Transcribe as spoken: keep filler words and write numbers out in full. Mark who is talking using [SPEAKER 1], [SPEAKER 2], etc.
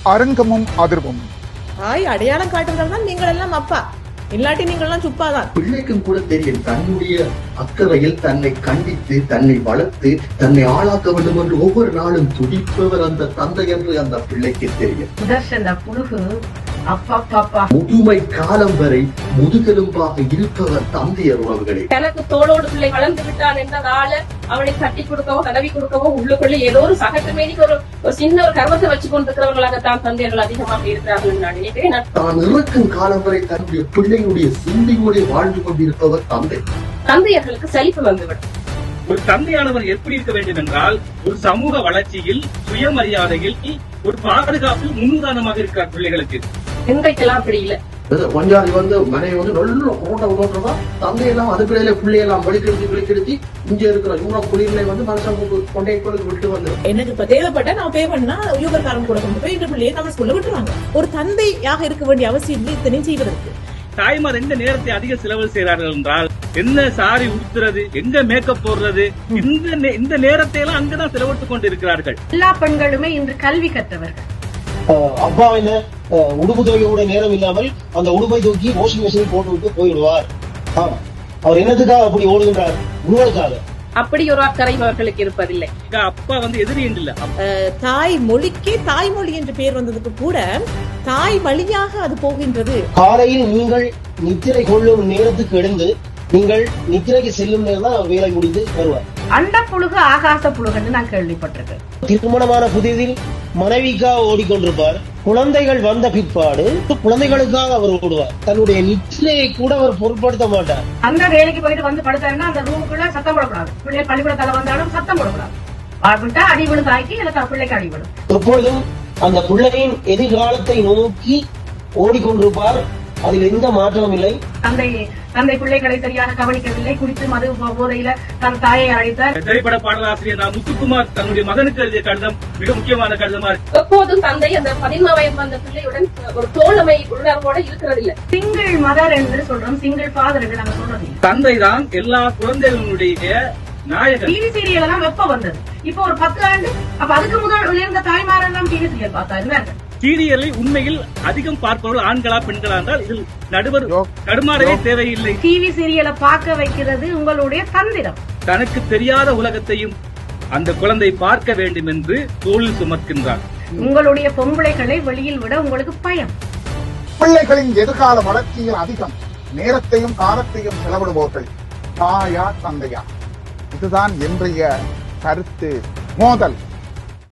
[SPEAKER 1] அரங்கமும் அதிர்வும்.
[SPEAKER 2] தாய் அடையாளம் காட்டுறதால் தான் நீங்கள் எல்லாம் அப்பா, இல்லாட்டி நீங்கள் எல்லாம் சுப்பாதான்.
[SPEAKER 3] பிள்ளைக்கும் கூட தெரியும் தன்னுடைய அக்கறையில் தன்னை கண்டித்து தன்னை வளர்த்து தன்னை ஆளாக்க வேண்டும் என்று ஒவ்வொரு நாளும் துடிப்பவர் அந்த தந்தை என்று அந்த பிள்ளைக்கு தெரியும்.
[SPEAKER 4] சுதர்சன புழுகு அப்பா பாப்பா
[SPEAKER 3] முதுமை காலம் வரை முதுகெலும்பாக இருப்பவர் தந்தையர் உறவுகளே.
[SPEAKER 5] எனக்கு தோளோடு பிள்ளை வளர்ந்து விட்டான் என்றதால அவனை தட்டி கொடுக்கவோ தடவி கொடுக்கவோ உள்ளுக்குள்ள ஏதோ ஒரு சகட்டு மேடிக்கு ஒரு சின்ன ஒரு கர்வத்தை வச்சு கொண்டிருக்கிறவர்களாகத்தான் தந்தையர்கள் அதிகமாக இருக்கிறார்கள் நான் நினைக்கிறேன்.
[SPEAKER 3] தான் இறக்கும் காலம் வரை தன்னுடைய பிள்ளையுடைய சிந்தையோடு வாழ்ந்து கொண்டிருப்பவர் தந்தை.
[SPEAKER 5] தந்தையர்களுக்கு சலிப்பு வந்துவிடும்.
[SPEAKER 6] ஒரு தந்தையானவர் எப்படி இருக்க வேண்டும் என்றால் ஒரு சமூக வளர்ச்சியில் சுயமரியாதையில் ஒரு பாதுகாப்பில் முன்னுதாரணமாக இருக்கிறார் பிள்ளைகளுக்கு.
[SPEAKER 5] இன்றைக்கெல்லாம் அப்படி இல்லை.
[SPEAKER 3] பஞ்சாதி வந்து மனைவி வந்து நல்ல கோட்டை உதவுறதா தந்தையெல்லாம் அதுக்குள்ளே பிள்ளையெல்லாம் வெளிக்கெடுத்து வெளிக்கெடுத்து இங்க இருக்கிற யூரோப் குடிகளை வந்து மனுஷன் கொண்டே கொண்டு விட்டு வந்து
[SPEAKER 2] எனக்கு இப்ப தேவைப்பட்ட நான் பே பண்ணா யூபர் காரம் கூட கொண்டு போய் இந்த பிள்ளையை நம்ம ஸ்கூல்ல விட்டுருவாங்க. ஒரு தந்தையாக இருக்க வேண்டிய அவசியம் இல்லை இத்தனையும் செய்வதற்கு.
[SPEAKER 6] தாய்மார் எந்த நேரத்தை அதிக செலவு செய்கிறார்கள் என்றால் என்ன சாரி உடுத்துறது, எங்க மேக்கப் போடுறது, இந்த இந்த நேரத்தை எல்லாம் அங்கதான் செலவிட்டுக் கொண்டு இருக்கிறார்கள்.
[SPEAKER 4] எல்லா பெண்களுமே இன்று கல்வி கற்றவர்கள்.
[SPEAKER 7] அப்பாவின உடுப்பு துவையோட நேரம் இல்லாமல் அந்த உடுப்பை தூக்கி வாஷிங் மிஷினில் போட்டு விட்டு போயிடுவார். அவர் என்னத்துக்காக அப்படி ஓடுகின்றார்? உங்களுக்காக.
[SPEAKER 5] அப்படி ஒரு அக்கறை அவர்களுக்கு இருப்பதில்லை.
[SPEAKER 6] அப்பா வந்து எதிரி இல்ல,
[SPEAKER 2] தாய் மொழிக்கே தாய்மொழி என்று பெயர் வந்ததுக்கு கூட தாய் வழியாக அது போகின்றது.
[SPEAKER 7] காலையில் நீங்கள் நித்திரை கொள்ளும் நேரத்துக்கு எழுந்து நீங்கள் நித்திரைக்கு செல்லும் நேரம் தான் வேலை முடிந்து வருவார்.
[SPEAKER 4] அண்ட புழுகு ஆகாச புழுகுன்னு நான் கேள்விப்பட்டிருக்கேன்.
[SPEAKER 7] திருமணமான புதிதில் மனைவிக்காக ஓடிக்கொண்டிருப்பார். குழந்தைகள் வந்த பிற்பாடு குழந்தைகளுக்காக அவர் ஓடுவார். தன்னுடைய நித்திரையை கூட அவர் பொருட்படுத்த மாட்டார்.
[SPEAKER 4] அந்த வேலைக்கு போயிட்டு வந்து படுத்தாருன்னா அந்த ரூமுக்குள்ள சத்தம் போடக்கூடாது. பிள்ளை பள்ளிக்கூடத்தால வந்தாலும் சத்தம் போடக்கூடாது. விட்டா அடிவிழும் தாய்க்கு எனக்கு பிள்ளைக்கு அடிவிடும். எப்பொழுதும் அந்த பிள்ளையின் எதிர்காலத்தை நோக்கி ஓடிக்கொண்டிருப்பார். அதில் எந்த மாற்றமும் இல்லை. தந்தை தந்தை பிள்ளைகளை சரியாக கவனிக்கவில்லை. குடித்து மது போதையில தன் தாயை அழைத்தார்.
[SPEAKER 6] திரைப்பட பாடலாசிரியர் நான் முத்துக்குமார் தன்னுடைய மகனுக்கு எழுதிய கடிதம் மிக முக்கியமான கடிதமா இருக்கு.
[SPEAKER 5] எப்போதும் தந்தை அந்த பதின்ம வயது வந்த பிள்ளையுடன் ஒரு தோழமை உணர்வோட இருக்கிறதில்லை.
[SPEAKER 4] சிங்கிள் மதர் என்று சொல்றோம், சிங்கிள் ஃபாதர் என்று நாங்க சொல்றது.
[SPEAKER 6] தந்தை தான் எல்லா குழந்தைகளுடைய நாயகன்.
[SPEAKER 4] டிவி சீரியல் எல்லாம் எப்ப வந்தது? இப்போ ஒரு பத்து ஆண்டு. அப்ப அதுக்கு முதல் உயர்ந்த தாய்மாரெல்லாம் டிவி சீரியல் பார்த்தா இருந்தாங்க.
[SPEAKER 6] சீரியலை உண்மையில் அதிகம் பார்ப்பவர்கள் ஆண்களா பெண்களா என்றால் இதில் நடுவர் தடுமாறவே தேவையில்லை.
[SPEAKER 4] டிவி சீரியலை பார்க்க வைக்கிறது உங்களுடைய தந்திரம்.
[SPEAKER 6] தனக்கு தெரியாத உலகத்தையும் அந்த குழந்தை பார்க்க வேண்டும் என்று தோளில் சுமக்கின்றார்.
[SPEAKER 4] உங்களுடைய பொம்பளைகளை வெளியில் விட உங்களுக்கு பயம்.
[SPEAKER 1] பிள்ளைகளின் எதிர்கால வளர்ச்சியில் அதிகம் நேரத்தையும் காலத்தையும் செலவிடுவோர்கள் தாயா தந்தையா? இதுதான் இன்றைய கருத்து மோதல்.